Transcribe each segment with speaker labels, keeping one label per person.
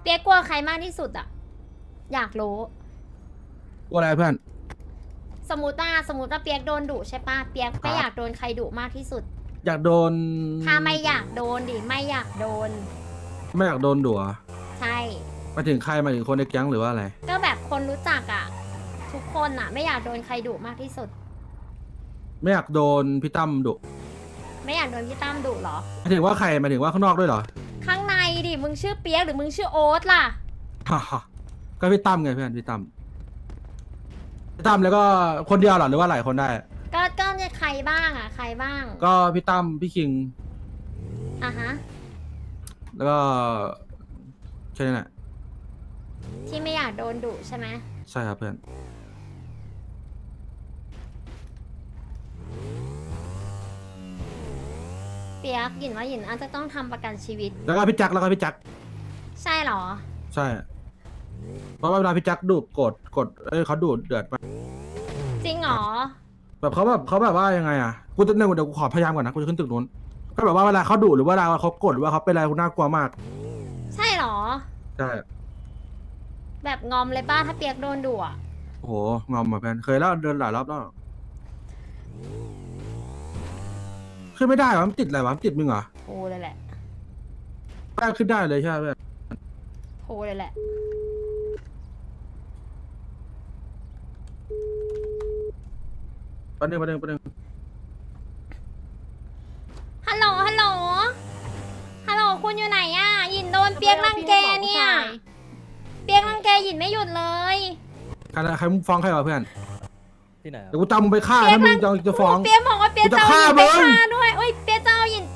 Speaker 1: เปียกกลัวใครมากที่สุดอะอยากรู้
Speaker 2: กลัวอะไรเพื่อน
Speaker 1: สมมติว่าเปียกโดนดุใช่ปะเปียกไม่อยากโดนใครดุมากที่สุด
Speaker 2: อยากโดน
Speaker 1: ถ้าไม่อยากโดนดิไม่อยากโดน
Speaker 2: ไม่อยากโดนดัว
Speaker 1: ใช่
Speaker 2: มาถึงใครมาถึงคนในแก๊งหรือว่าอะไร
Speaker 1: ก็แบบคนรู้จักอะทุกคนอะไม่อยากโดนใครดุมากที่สุด
Speaker 2: ไม่อยากโดนพี่ตั้มดุ
Speaker 1: ไม่อยากโดนพี่ตั้มดุเหรอ
Speaker 2: หมายถึงว่าใครหมายถึงว่าข้างนอกด้วยเหรอ
Speaker 1: ข้างในดิมึงชื่อเปียกหรือมึงชื่อโอ๊ตล่ะ
Speaker 2: ฮ่าฮ่าก็พี่ตั้มไงเพื่อนพี่ตั้มแล้วก็คนเดียวเหรอหรือว่าหลายคนได้
Speaker 1: ก็เนี่ยใครบ้างอะใครบ้าง
Speaker 2: ก็พี่ตั้มพี่คิง
Speaker 1: อ่ะฮะ
Speaker 2: แล้วก็แค่นั้นแหละ
Speaker 1: ที่ไม่อยากโดนดุใช่ไหม
Speaker 2: ใช่ครับเพื่อน
Speaker 1: เปียกหยินว่าหยินอาจจะต้องทำประกันชีวิต
Speaker 2: แล้วก็พี่แจ็ค
Speaker 1: ใช่เหรอ
Speaker 2: ใช่ เพราะว่าเวลาพี่แจ็คดุกดเขาดุเดือดมาก
Speaker 1: จริงเหรอ
Speaker 2: แบบเขาแบบว่ายังไงอ่ะกูจะเดี๋ยวกูขอพยายามก่อนนะกูจะขึ้นตึกนู้นก็แบบว่าเวลาเขาดุหรือว่าเวลาเขากดหรือว่าเขาเป็นอะไรกูน่ากลัวมาก
Speaker 1: ใช่เหรอ
Speaker 2: ใช่
Speaker 1: แบบงอมเลยป้าถ้าเปียกโดนดุอะ
Speaker 2: โอ้โหงอมเหมือนกันเคยแล้วเดินหลายรอบแล้วขึ้นไม่ได้วะมันติดอะไรวะมันติดมึงเหรอ
Speaker 1: โหเลยแหละ
Speaker 2: แป้งขึ้นได้เลยใช่ไหมเพื่อน
Speaker 1: โหเลยแหละ
Speaker 2: แป๊บนึง
Speaker 1: ฮัลโหล ฮัลโหล ฮัลโหล คุณอยู่ไหนอะหยินโดนเปียกรังแกเนี่ย เปียกรังแกหยินไม่หยุดเลย
Speaker 2: ใครมึงฟ้องใครวะเพื่อน
Speaker 3: ที่ไหนครับ
Speaker 2: เดี๋ยวกูตามมึงไปฆ่าถ้ามึงจะฟ้อง
Speaker 1: เปียกบอกว่าเปียก
Speaker 2: กูจะ
Speaker 1: จะเอาหยินไป
Speaker 2: ฆ่ามึง
Speaker 1: ฆ่าด้วยโอ้ยเปียกจะเอาหยินไป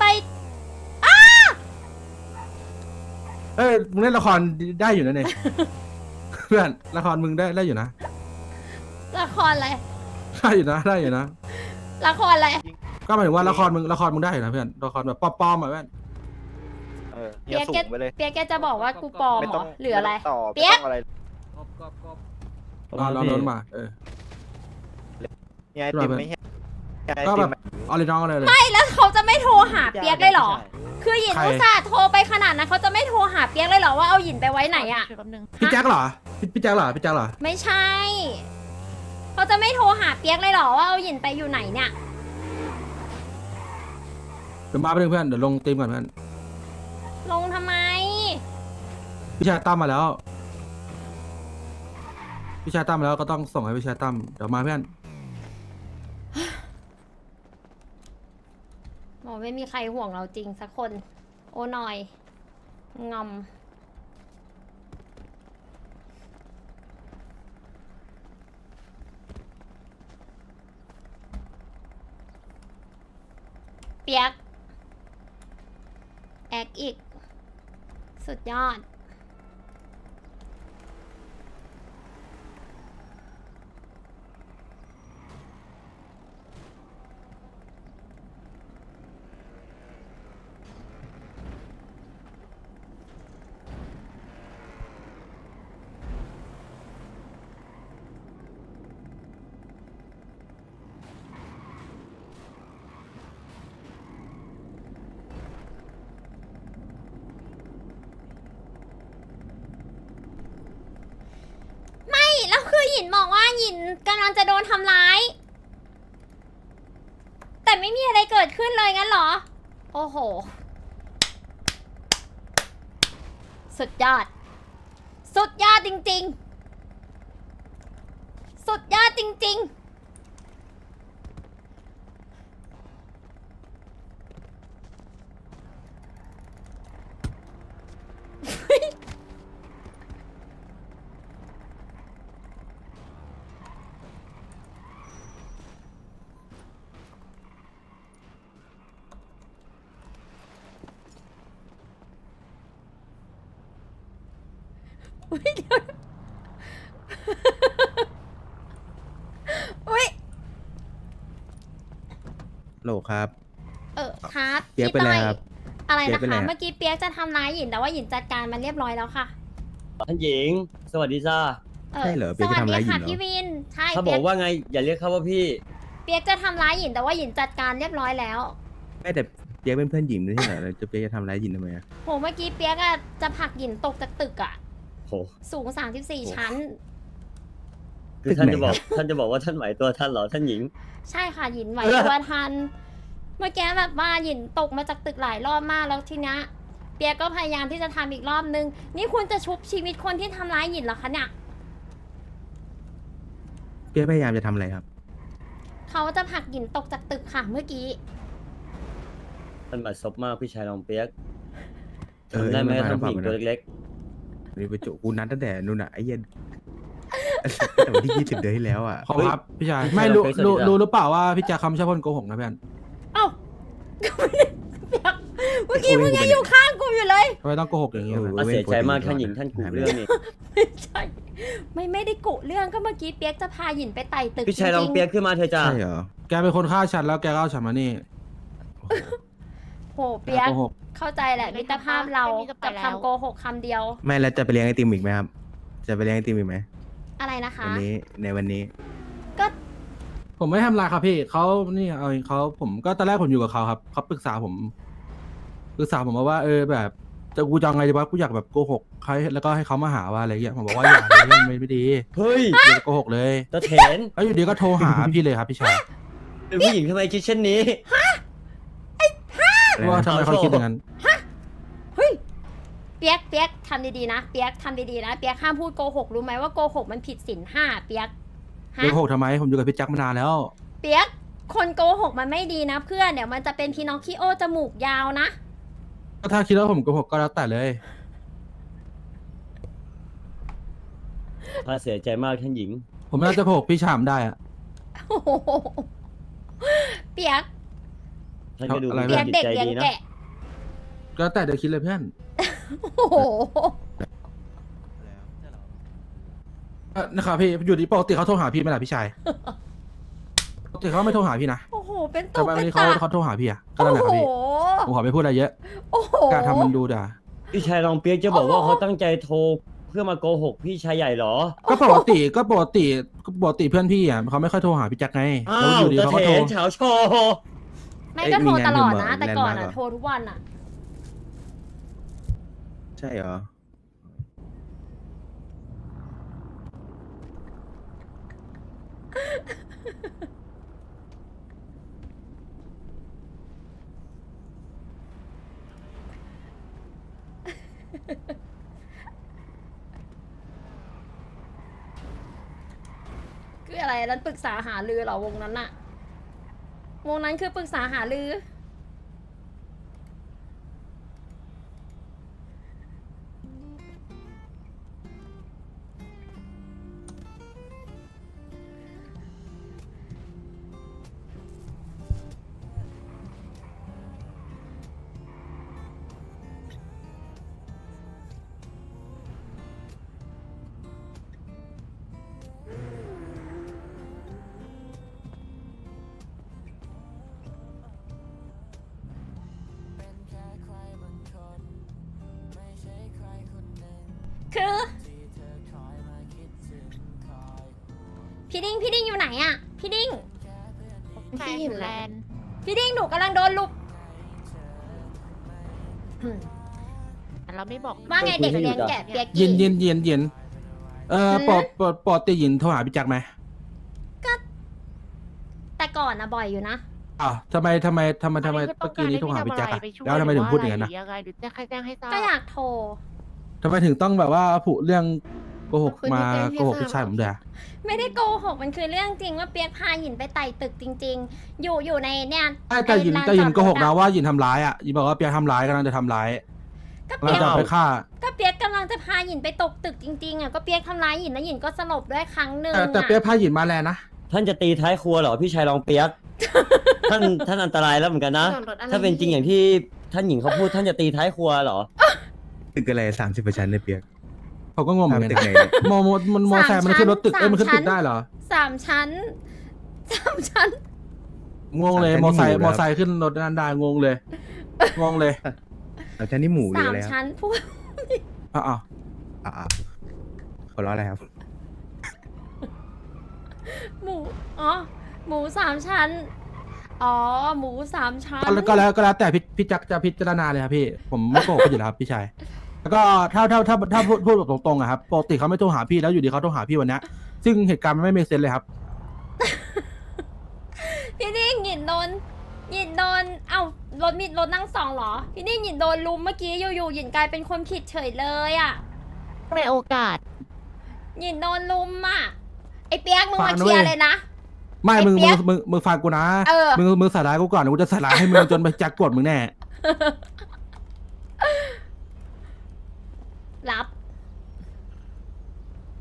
Speaker 2: เอ้ยมึงเล่นละครได้อยู่นะเนี่ย เพื่อนละครมึงได้อยู่นะ
Speaker 1: ละครอะไร
Speaker 2: ได้อยู่นะ
Speaker 1: ละครอะไร
Speaker 2: ก็หมายถึงว่าละครมึงได้อยู่นะเพื่อนละครแบบปลอมๆอ่ะเพื่อน
Speaker 1: เปียกแกเปียกแกจะบอกว่ากูปลอมเหรอหรืออะไร
Speaker 4: ต่อ
Speaker 1: เปี๊ยก
Speaker 4: ไม่ต้องอะไร
Speaker 2: นอนมา
Speaker 4: เนี่ยไอติมไม่ใช่ไอ
Speaker 2: ก็
Speaker 4: ติ
Speaker 2: แบ
Speaker 4: ม
Speaker 2: บเอาเลยน้องเลย
Speaker 1: ไม่แล้วเขาจะไม่โทรหาเปียกเลยเหรอ
Speaker 3: ใช่
Speaker 1: คือหยิน
Speaker 2: ใคร
Speaker 1: อุตส่าห์โทรไปขนาดนั้นเขาจะไม่โทรหาเปียกเลยเหรอว่าเอาหยินไปไว้ไหนอะ
Speaker 2: พี่แจ็คเหรอพี่แจ็คเหรอ
Speaker 1: ไม่ใช่เขาจะไม่โทรหาเปียกเลยเหรอว่าเอาหยินไปอยู่ไหนเนี่ย
Speaker 2: เดี๋ยวมาไปเพื่อนเดี๋ยวลงตีมก่อนเพื่อน
Speaker 1: ลงทำไม
Speaker 2: พี่ชายตั้มมาแล้วก็ต้องส่งให้พี่ชายตั้มเดี๋ยวมาเพื่อน
Speaker 1: บอกไม่มีใครห่วงเราจริงสักคน โอ้หน่อย งอม เปียก แอกอีก สุดยอด ไม่แล้วคือหยินบอกว่าหยินกำลังจะโดนทำร้าย แต่ไม่มีอะไรเกิดขึ้นเลยงั้นเหรอ โอ้โห สุดยอด สุดยอดจริงๆ สุดยอดจริงๆ อุ๊ยเดี๋ยวนะอุ๊ย
Speaker 5: โหลครับ
Speaker 1: ครับ
Speaker 5: เปี๊ยกเป็นไรครับ
Speaker 1: อะไร
Speaker 5: เปี๊ย
Speaker 1: นะ
Speaker 5: กเป็นไร
Speaker 1: คะ
Speaker 5: ครับ
Speaker 1: เมื่อกี้เปียกจะทำร้ายหยินแต่ว่าหยินจัดการมันเรียบร้อยแล้วค่ะ
Speaker 3: ท่านหญิง สวัสดีจ้า
Speaker 5: ใช่เหรอเปี๊ยกจะทำร้ายหยินเหรอ
Speaker 1: สวัสดีค่ะพี่วิน ใช่
Speaker 3: เขาบ
Speaker 1: เปี
Speaker 3: อย ก
Speaker 1: ก
Speaker 3: ว่าไง อย่าเรียกเขาว่าพี่
Speaker 1: เปียกจะทำร้ายหยินแต่ว่าหยินจัดการเรียบร้อยแล้ว
Speaker 5: ไม่แต่ปียกเป็นเพื่อนหญิงไม่ใช่เหรอแล้วจะเปียกจะทำร้ายหญิงทำไมอะ
Speaker 1: โหเมื่อกี้เปียกอะจะผลักหยินตกจากตึกอะ
Speaker 3: โห
Speaker 1: สูง 34 ชั้น
Speaker 3: คือท่านจะบอกว่าท่านไหวตัวท่านเหรอท่านหญิง
Speaker 1: ใช่ค่ะหยินไหวตัวทัน เมื่อกี้แบบว่าหยินตกมาจากตึกหลายรอบมากแล้วทีเนี้ยเปียกก็พยายามที่จะทำอีกรอบนึง นี่คุณจะชุบชีวิตคนที่ทำร้ายหยินเหรอคะเนี่ย
Speaker 5: เปียกพยายามจะทำอะไรครับ
Speaker 1: เขาจะผลักหยินตกจากตึกค่ะเมื่อกี้
Speaker 3: ท่านบัดซบมากพี่ชายรองเปียก
Speaker 5: เออ
Speaker 3: ทำได้ไหม
Speaker 5: มันมา
Speaker 3: ท่านผู้หญิง
Speaker 5: แล้ว
Speaker 3: ตัวเล็ก
Speaker 5: นี่ไปจุกูนัดตั้งแต่นู่นน่ะไอ้เหี้ย็นแต่วันที่ 20 เดือนที่แล้วอ่ะ
Speaker 2: ขอบคุณครับพี่ชายไม่รู้หรือเปล่าว่าพี่แจ็คคำไม่ใช่คนโกหกนะเพื่อน
Speaker 1: เอ้าก็ไม่ได้เปียกเมื่อกี้มึงยังอยู่ข้างกูอยู่เลย
Speaker 2: ทำไมต้องโกหกอย่างนี้
Speaker 5: เออ
Speaker 3: ๆเสียใจมากท่านหญิงท่านกูเรื่องนี้
Speaker 1: ไม่ใช่ ไม่ได้กุเรื่องก็เมื่อกี้เปียกจะพาหยินไปไต่ตึก
Speaker 3: พี่ชายรอง
Speaker 1: จริงๆ
Speaker 3: เปียกขึ้นมาเถอะจ้า
Speaker 5: ใช่เหรอ
Speaker 2: แกเป็นคนฆ่าฉันแล้วแกก็เอาฉันมานี่
Speaker 1: โหเปียก
Speaker 2: โกหก
Speaker 1: เข้าใจแหละมิตรภาพเรากับคำโกหกคำเดียว
Speaker 5: ไม่แล้วจะไปเลี้ยงไอติมอีกไหมครับ จะไปเลี้ยงไอติมอีกไหม
Speaker 1: อะไรนะคะ
Speaker 5: วันนี้ในวันนี้
Speaker 1: ก็
Speaker 2: ผมไม่ทำลายครับพี่เขานี่เอาเขาผมก็ตอนแรกผมอยู่กับเขาครับเขาปรึกษาผมมาว่าแบบจะกูจะเอาไงดีวะกูอยากแบบโกหกใครแล้วก็ให้เขามาหาว่าอะไรเงี้ยผมบอกว่าอย่าเลยเรื่องไม่ดี
Speaker 3: เฮ้ย
Speaker 2: อย่าโกหกเลย
Speaker 3: ตะเถน
Speaker 2: แล้วอยู่ดีก็โทรหาพี่เลยครับพี่ชาย
Speaker 3: เป็นผู้หญิงทำไมคิดเช่นนี้
Speaker 2: ว่าทำไมเขาคิดอย่างนั้น
Speaker 1: เฮ้ยเปียกทำดีๆนะเปียกทำดีๆนะเปียกห้ามพูดโกหกรู้ไหมว่าโกหกมันผิดศีลห้าเปียกฮะ
Speaker 2: โกหกทำไมผมอยู่กับพี่แจ็คมานานแล้ว
Speaker 1: เปียกคนโกหกมันไม่ดีนะเพื่อนเดี๋ยวมันจะเป็นพีนอคคิโอจมูกยาวนะ
Speaker 2: ก็ถ้าคิดว่าผมโกหกก็แล้วแต่เลย
Speaker 3: ข้าเสียใจมากท่านหญิง
Speaker 2: ผมน่าจะโกหกพี่ชามได้อะ
Speaker 1: โอ้โหเปียก
Speaker 3: ท่านก็ดู
Speaker 2: อะไร
Speaker 3: มี
Speaker 1: เปียก
Speaker 3: จิต
Speaker 1: เด็ก
Speaker 3: ใจ
Speaker 1: เลี้ยง
Speaker 3: ดีนะ
Speaker 1: แกะ
Speaker 2: ก็แล้วแต่เดี๋ยวคิดเลยเพื่อน
Speaker 1: โอ้โห
Speaker 2: นะครับพี่อยู่ดีปกติเขาโทรหาพี่ไหมล่ะพี่ชายปกติเขาไม่โทรหาพี่นะ
Speaker 1: โอ้โหเป็น
Speaker 2: แต่
Speaker 1: ตุก
Speaker 2: วัน
Speaker 1: เป็น
Speaker 2: นี้
Speaker 1: ตา
Speaker 2: เขาโทรหาพี่อะก็
Speaker 1: โอ้
Speaker 2: นั่นแหละครับ
Speaker 1: โห
Speaker 2: พี่ผมขอไม่พูดอะไรเยอะ
Speaker 1: โอ้โห
Speaker 2: กล้ารทำมันดูด่า
Speaker 3: พี่ชายรองเปียกจะบอกว่าเขาตั้งใจโทรเพื่อมาโกหกพี่ชายใหญ่เหรอ
Speaker 2: ก็ปกติเพื่อนพี่อ่ะเขาไม่ค่อยโทรหาพี่แจ็คไง
Speaker 3: อ้า
Speaker 2: แล้ว
Speaker 3: ว
Speaker 2: อยู่ดี
Speaker 3: ตะ
Speaker 2: เขา
Speaker 3: เถ
Speaker 2: ก็โทร
Speaker 3: นเฉาโชว์
Speaker 1: ไม่ก็โทรตลอดนะ
Speaker 5: เอ้ยมีงาน
Speaker 1: แต่ก่อน
Speaker 5: แลนด์มาร์คเหร
Speaker 1: อะ
Speaker 5: อ
Speaker 1: โทรทุกวันอะ
Speaker 5: ใช่เหรอ
Speaker 1: คืออะไรนั้นปรึกษาหารือเหรอวงนั้นอะวงนั้นคือปรึกษาหารือ คือพี่ดิ้งอยู่ไหนอะพี่ดิ้ง
Speaker 6: ที่อยู่แลนด์
Speaker 1: พี่ดิ้งหนูกำลังโดนลุก
Speaker 6: แต่เราไม่บอก
Speaker 1: ว่าไงเด็กเลี้ยงแกะเปียก
Speaker 2: เย็
Speaker 1: กี้
Speaker 2: นปกติยินโทรหาพี่แจ็คไหม
Speaker 1: แต่ก่อนนะบ่อยอยู่นะ
Speaker 2: อ้าวทำไมเมื่อกี้นี้โทรหาพี่แจ็คอะแล้วทำไมถึงพูดอย่างนั้นนะ
Speaker 6: ยังไงหรือจะใครแจ้งให้ทราบ
Speaker 1: ก็อยากโทร
Speaker 2: ทำไมถึงต้องแบบว่าผูเรื่องโกหกมาโกหกพี่ชายผมด้วยอะ
Speaker 1: ไม่ได้โกหกมันคือเรื่องจริงว่าเปียกพาหยินไปไต่ตึกจริง ๆ อยู่ในเนี่ย
Speaker 2: แต่ยิน
Speaker 1: ลา
Speaker 2: แต่ยิน
Speaker 1: จอด
Speaker 2: โกหก
Speaker 1: รถ
Speaker 2: นะ
Speaker 1: อะ
Speaker 2: ว่ายินทำร้ายอ่ะยินบอกว่าเปียกทำร้ายกำลังจะทำร้าย
Speaker 1: ก็
Speaker 2: กำลั
Speaker 1: เปี
Speaker 2: ง
Speaker 1: ยก
Speaker 2: จะเอาไปฆ่า
Speaker 1: ก็เปียกกำลังจะพาหยินไปตกตึกจริงๆอ่ะก็เปียกทำร้ายหยินแล้วหยินก็สลบด้วยครั้งหนึ่ง
Speaker 2: แต่เปียกพายินมาแลนนะ
Speaker 3: ท่านจะตีท้ายครัวเหรอพี่ชายรองเปียก ท่านอันตรายแล้วเหมือนกันนะ ถ้าเป็นจริงอย่างที่ท่านหญิงเขาพูดท่านจะตีท้ายครัวเหรอ
Speaker 5: ตึกอะไร30%ในเปียก
Speaker 2: ผมก็งงเหมือนกัน
Speaker 5: ตึกไหน
Speaker 2: นะมอแซมมันขึ้นรถตึกมันขึ้นตึกได้เหรอ
Speaker 1: 3 ชั้น
Speaker 2: งงเลยมอไซค์ขึ้นรถนั่นได้งงเลย
Speaker 5: เราจะนี่หมูหรืออะไร
Speaker 1: 3
Speaker 5: ครับ
Speaker 1: ชั้นพูด
Speaker 2: อ้าว
Speaker 5: อ่าคนร้ออะไรครับ
Speaker 1: หมูอ๋อหมู3 ชั้นอ๋อหมูสามชั้น
Speaker 2: ก็แล้วแต่พี่จักจะพิจารณาเลยครับพี่ผมไม่โกหกพี่อยู่แล้วครับพี่ชายแล้วก็ถ้าพูดแบบตรงๆอะครับปกติเขาไม่โทรหาพี่แล้วอยู่ดีเขาโทรหาพี่วันเนี้ยซึ่งเหตุการณ์มันไม่เมคเซนเลยครับ
Speaker 1: พี่นี่หยินโดนเอ้ารถนั่งสองเหรอพี่นี่หยินโดนลุมเมื่อกี้อยู่ๆหยินกลายเป็นคนผิดเฉยเลยอ่ะ
Speaker 6: ในโอกาส
Speaker 1: หยินโดนลุมอ่ะไอเปียกมึง
Speaker 2: ฟั
Speaker 1: มาง
Speaker 2: นะ
Speaker 1: เคลียร์
Speaker 2: เว้ย
Speaker 1: เลยนะ
Speaker 2: ไม่
Speaker 1: ไอ้
Speaker 2: มึง
Speaker 1: เปี๊ยก
Speaker 2: มึงฟังกูนะ
Speaker 1: เออ
Speaker 2: มึงใส่ร้ายกูก่อนเดี๋ยวกูจะใส่ร้ายให้มึงจนไปจักกดมึงแน่
Speaker 1: รับ